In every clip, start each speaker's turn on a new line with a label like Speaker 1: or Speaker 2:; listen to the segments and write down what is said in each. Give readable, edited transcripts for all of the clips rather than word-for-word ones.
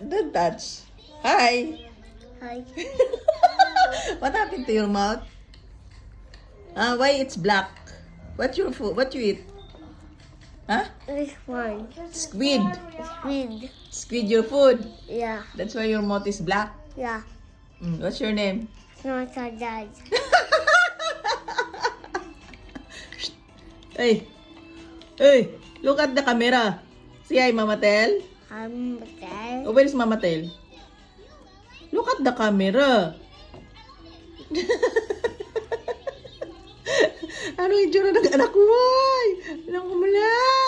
Speaker 1: Don't touch. Hi.
Speaker 2: Hi.
Speaker 1: What happened to your mouth? Why it's black? What's your food? What you eat? Huh?
Speaker 2: Which one?
Speaker 1: Squid.
Speaker 2: Squid.
Speaker 1: Squid your food.
Speaker 2: Yeah.
Speaker 1: That's why your mouth is black.
Speaker 2: Yeah.
Speaker 1: What's your name?
Speaker 2: Not a dad.
Speaker 1: Hey. Hey. Look at the camera. See hi, Mama Tel.
Speaker 2: I'm dad.
Speaker 1: Oh, where is Mama Tel? Look at the camera. Ano yung itsura ng anak ko? Ay! Alam ko mula.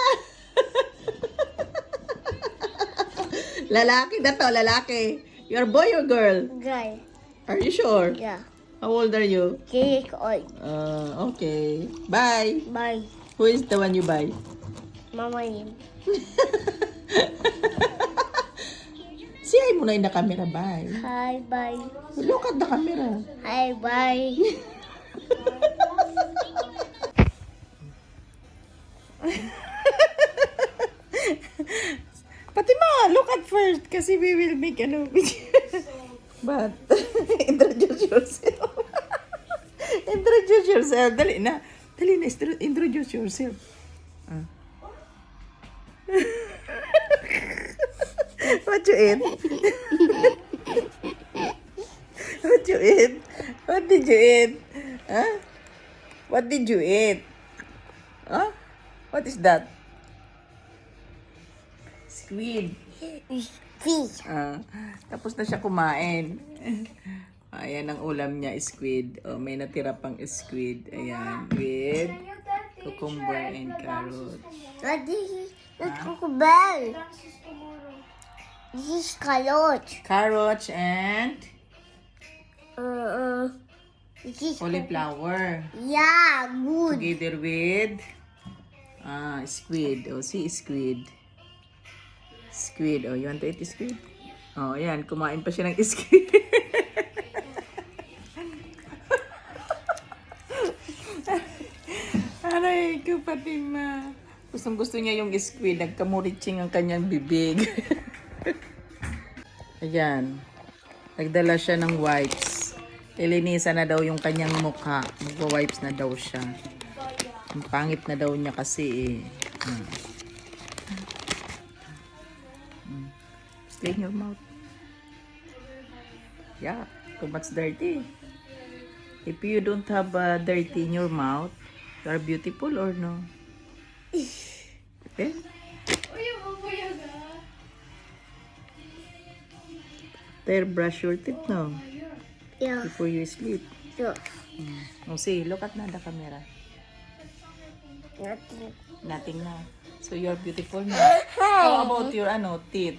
Speaker 1: Lalaki na to, lalaki. You're boy or girl?
Speaker 2: Guy.
Speaker 1: Are you sure?
Speaker 2: Yeah.
Speaker 1: How old are you?
Speaker 2: Cake oil.
Speaker 1: Okay. Bye.
Speaker 2: Bye.
Speaker 1: Who is the one you buy?
Speaker 2: Mama name.
Speaker 1: Say hi muna in the camera. Bye.
Speaker 2: Hi. Bye.
Speaker 1: Look at the camera.
Speaker 2: Hi. Bye.
Speaker 1: Fatima, look at first kasi we will make ano video. But, introduce yourself. Introduce yourself. Dali na. Dali na, introduce yourself. What you eat? What you eat? What did you eat? Huh? What did you eat? Huh? What is that? Squid.
Speaker 2: Fish.
Speaker 1: Tapos na siya kumain. Ayan ang ulam niya, squid. Oh, may natira pang squid. Ayan, with cucumber and carrot.
Speaker 2: What is it? That's cucumber. This is carrot.
Speaker 1: Carrots and
Speaker 2: This is
Speaker 1: cauliflower.
Speaker 2: Yeah, good.
Speaker 1: Together with squid. Oh, see squid. Squid. Oh, you want to eat squid? Oh, ayan. Kumain pa siya ng squid. Aray ko, Fatima. Gustong gusto niya yung squid. Nagkamuritsing ang kanyang bibig. Ayan. Nagdala siya ng wipes. Ilinisan na daw yung kanyang mukha. Magwa-wipes na daw siya. Ang pangit na daw niya kasi eh. Clean your mouth. Yeah, too much dirty. If you don't have dirty in your mouth, you are beautiful or no? Okay? There, brush your teeth now
Speaker 2: Yeah.
Speaker 1: before you sleep.
Speaker 2: Yeah.
Speaker 1: Oh, see, look at na the camera.
Speaker 2: Nothing.
Speaker 1: Nothing na. So you're beautiful now. How about your teeth?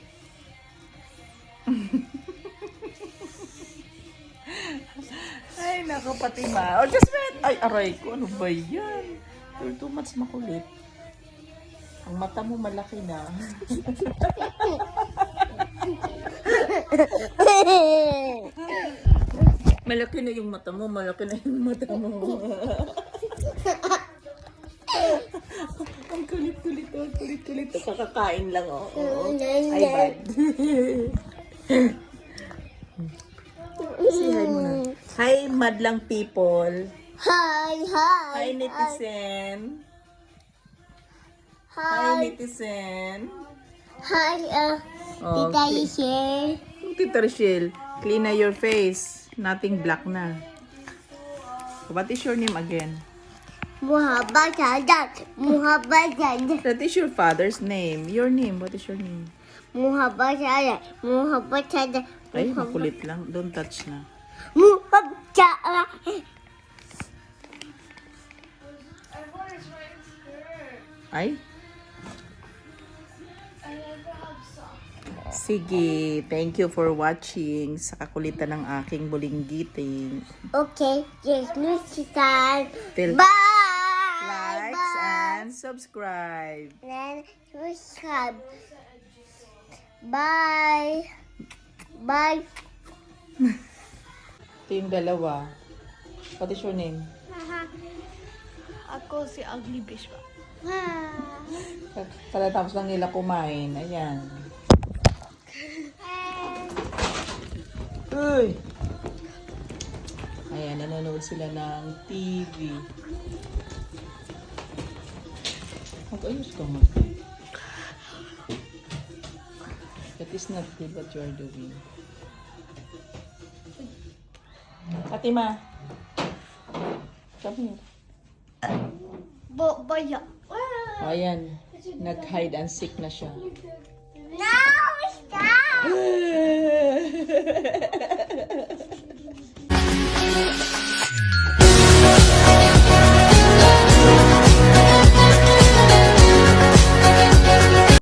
Speaker 1: Ay, nako, Fatima. Oh, just wait. Ay, aray ko. Ano ba yan? You're too much makulit. Ang mata mo malaki na. Malaki na yung mata mo. Malaki na yung mata mo. Ang kulit-kulit. Ang kulit-kulit. Kakakain lang, oh. Ay, bad. Say hi muna. Hi, madlang people.
Speaker 2: Hi.
Speaker 1: Hi, netizen. Hi, netizen.
Speaker 2: Hi.
Speaker 1: Oh,
Speaker 2: Tita Michelle.
Speaker 1: Tita Rochelle, clean na your face. Nothing black na. What is your name again?
Speaker 2: Muhammad Sadat. Muhammad Sadat.
Speaker 1: That is your father's name. Your name, what is your name?
Speaker 2: Muhammad Sadat. Muhammad Sadat.
Speaker 1: Ay, makulit lang. Don't touch na.
Speaker 2: Muhammad Sadat.
Speaker 1: Ay? Sige, thank you for watching sa kakulitan ng aking bulinggiting.
Speaker 2: Okay, yes, Lucian.
Speaker 1: Till
Speaker 2: Bye.
Speaker 1: likes and subscribe.
Speaker 2: Then subscribe. Bye. Bye.
Speaker 1: Ito yung dalawa. What is your name?
Speaker 3: Ako si Ugly Fish pa.
Speaker 1: Katatapos lang nila kumain. Ayan. Uy! Ayan, nanonood sila ng TV. Mag-ayos ka nga. That is not good what you are doing. Fatima! Come here.
Speaker 2: Baya.
Speaker 1: Ayan, nag-hide and seek na siya.
Speaker 2: No, stop!